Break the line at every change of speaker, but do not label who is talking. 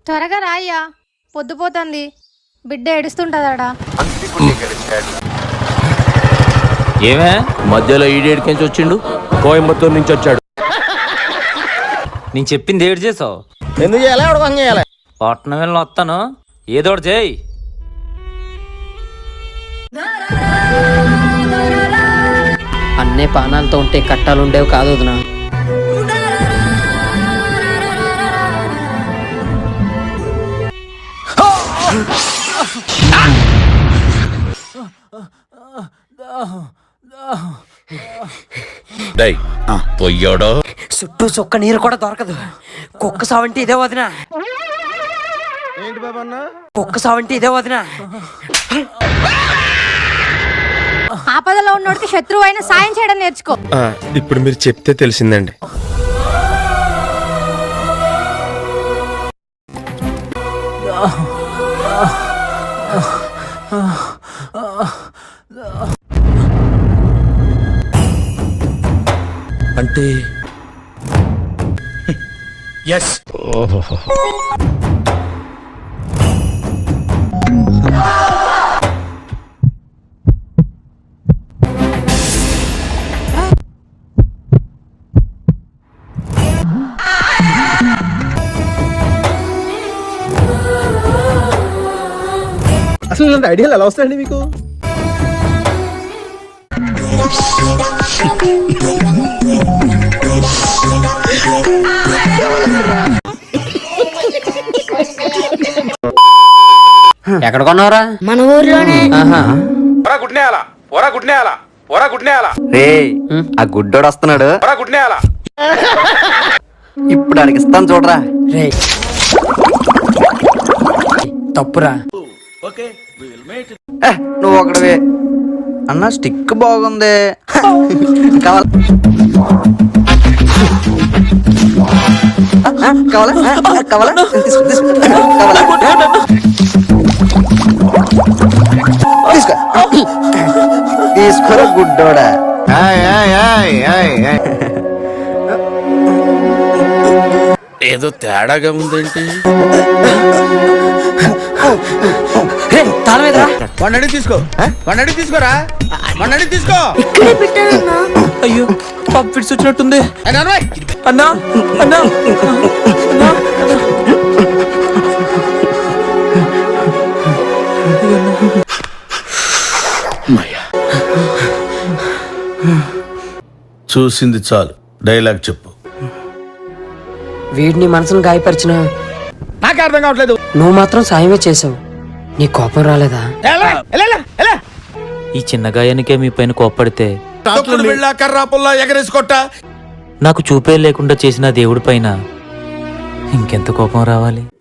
త్వరగా రాయ్యా, పొద్దుపోతుంది. బిడ్డ ఏడుస్తుంటదాడా.
ఏమే మధ్యలో ఈడేడికించి వచ్చిండు? కోయంబత్తూరు నుంచి వచ్చాడు. నేను చెప్పింది ఏడు చేసావు.
ఎందుకు చేయాలి? ఎవడ పని చేయాలి?
పట్నం వెళ్ళి వస్తాను, ఏదో ఒకటి చేయి.
అన్నే పానాలతో ఉంటే కట్టాలు ఉండేవి కాదు వదినా.
పొయ్యాడో
చుట్టూ చుక్క నీరు కూడా దొరకదు. కుక్క సావంటే ఇదే వదినా.
ఏంటి బాబా అన్న?
కుక్క సావంటే ఇదే వదినా.
ఆపదలో ఉన్నోడికి శత్రువు అయినా సాయం చేయడం నేర్చుకో.
ఇప్పుడు మీరు చెప్తే తెలిసిందండి.
అంటే ఎస్.
అసలు ఇలాంటి ఐడియాలు ఎలా వస్తాయండి మీకు?
ఎక్కడ కొన్నావురా?
మన ఊర్లోనే.
రే ఆ గుడ్డోడు వస్తున్నాడు, ఇప్పుడు అడిగిస్తాను చూడరా.
రే తప్పురా.
నువ్వు ఒకటివే అన్న. స్టిక్ బాగుంది, కావాలా? కావాలా? తీసుకోరా గుడ్డోడా.
ఏదో తేడాగా ఉందేంటి?
వాడిని తీసుకో, వాడిని తీసుకోరా, వాడిని తీసుకో.
అయ్యో పప్పు ఫిట్స్ వచ్చినట్టుంది. అన్నా అన్నా
చూసింది చాలు, డైలాగ్ చెప్పు.
వీడిని మనసును గాయపరిచిన
నాకు అర్థం కావట్లేదు.
నువ్వు మాత్రం సాయమే చేసావు. నీ కోపం రాలేదా?
ఈ చిన్న గాయానికే మీ పైన కోప్పడితే
కర్రా పుల్లా ఎగరేసుకొట్ట.
నాకు చూపే లేకుండా చేసిన దేవుడి పైన ఇంకెంత కోపం రావాలి?